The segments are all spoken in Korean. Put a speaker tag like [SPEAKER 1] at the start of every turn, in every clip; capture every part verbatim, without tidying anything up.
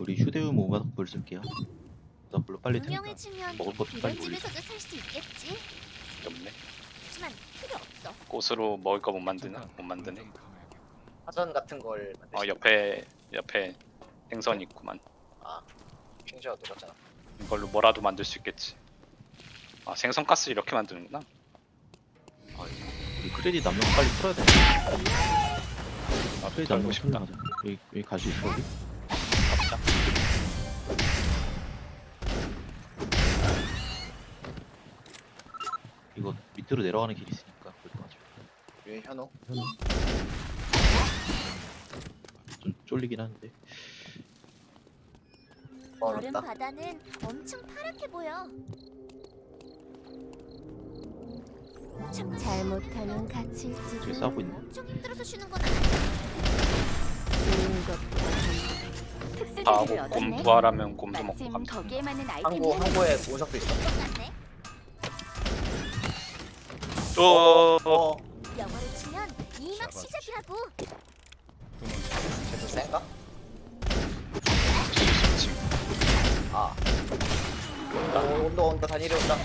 [SPEAKER 1] 우리 휴대용 모바닥불 쓸게요. 모바닥불로 빨리 테니까
[SPEAKER 2] 유명해지면
[SPEAKER 1] 먹을 것도
[SPEAKER 2] 이런
[SPEAKER 1] 빨리 올리고.
[SPEAKER 2] 집에서도 살 수 있겠지.
[SPEAKER 3] 없네.
[SPEAKER 2] 하지만 필요 없어.
[SPEAKER 3] 꽃으로 먹을 거 못 만드나? 못 만드네.
[SPEAKER 4] 사전 같은 걸 만들
[SPEAKER 3] 어
[SPEAKER 4] 수
[SPEAKER 3] 옆에 옆에 생선 있구만.
[SPEAKER 4] 아 핑저가 똑같잖아.
[SPEAKER 3] 이걸로 뭐라도 만들 수 있겠지. 아 생선 가스 이렇게 만드는구나.
[SPEAKER 1] 아, 우리 크레딧 남는 거 빨리 풀어야 돼.
[SPEAKER 3] 아
[SPEAKER 1] 크레딧 남는
[SPEAKER 3] 털고
[SPEAKER 1] 거
[SPEAKER 3] 싶다.
[SPEAKER 1] 풀려 가자. 여기 여기 갈 수 있어 우리?
[SPEAKER 3] 갑자.
[SPEAKER 1] 이거 밑으로 내려가는 길이 있으니까 그래도 가자.
[SPEAKER 4] 위에 현우.
[SPEAKER 1] 좀 쫄리긴 하는데.
[SPEAKER 2] 여름
[SPEAKER 4] 어렵다.
[SPEAKER 2] 바다는 엄청 파랗게 보여. 참 잘못하면 갇힐지도.
[SPEAKER 1] 저기 싸우고 있네.
[SPEAKER 2] 엄청 힘들어서 쉬는 건 아니야.
[SPEAKER 3] 다 하고 곰 부활하면 곰도 먹고
[SPEAKER 5] 마침
[SPEAKER 3] 감자.
[SPEAKER 5] 거기에 맞는
[SPEAKER 4] 항구
[SPEAKER 5] 아이템이
[SPEAKER 4] 항구에 운석도 있어.
[SPEAKER 2] 똑같네.
[SPEAKER 3] 또
[SPEAKER 4] 어.
[SPEAKER 2] 영어를 치면 이막 시작이라고.
[SPEAKER 4] 쟤도 센가?
[SPEAKER 3] 지금
[SPEAKER 4] 아. 온다 온다 온다 다 내려온다.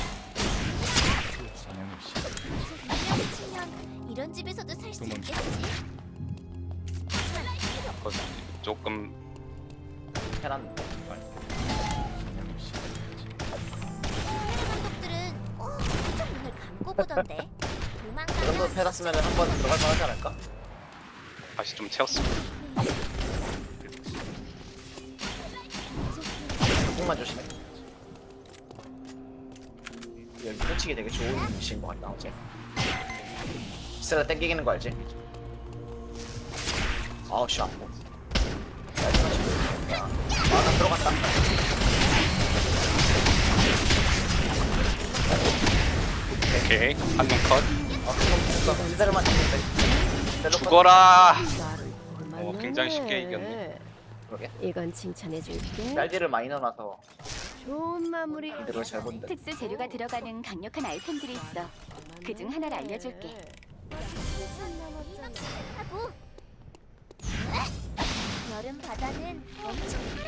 [SPEAKER 2] 유명해지면 이런 집에서도 살 수 있겠지. 하지만 필요 없어.
[SPEAKER 3] 거기 조금
[SPEAKER 4] 해란.
[SPEAKER 2] 감독들은 꼭 한쪽 눈을 감고 보던데.
[SPEAKER 4] 그 정도
[SPEAKER 2] 도망가면
[SPEAKER 4] 패놨으면 한 번 들어갈 만하지 않을까?
[SPEAKER 3] 다시 좀 채웠어.
[SPEAKER 4] 조금만 조심해. 여기 펼치기 되게 좋은 위치인 것 같다. 어제. 스가 땡기는 거 알지? 아우 씨 아파. 아나 들어갔다.
[SPEAKER 3] 오케이 한 명 컷.
[SPEAKER 4] 아 그럼 뭔가 기다려만 했는데.
[SPEAKER 3] 죽어라.
[SPEAKER 5] 어,
[SPEAKER 3] 어, 굉장히 쉽게 이겼네.
[SPEAKER 4] 그러게.
[SPEAKER 5] 이건 칭찬해줄게.
[SPEAKER 4] 날개를 많이 넣어놔서
[SPEAKER 5] 좋은 마무리.
[SPEAKER 4] 이대로 잘 본다.
[SPEAKER 5] 특수 재료가 들어가는 강력한 아이템들이 있어. 그중 하나를 알려줄게.
[SPEAKER 2] 하고 여름 바다는 엄청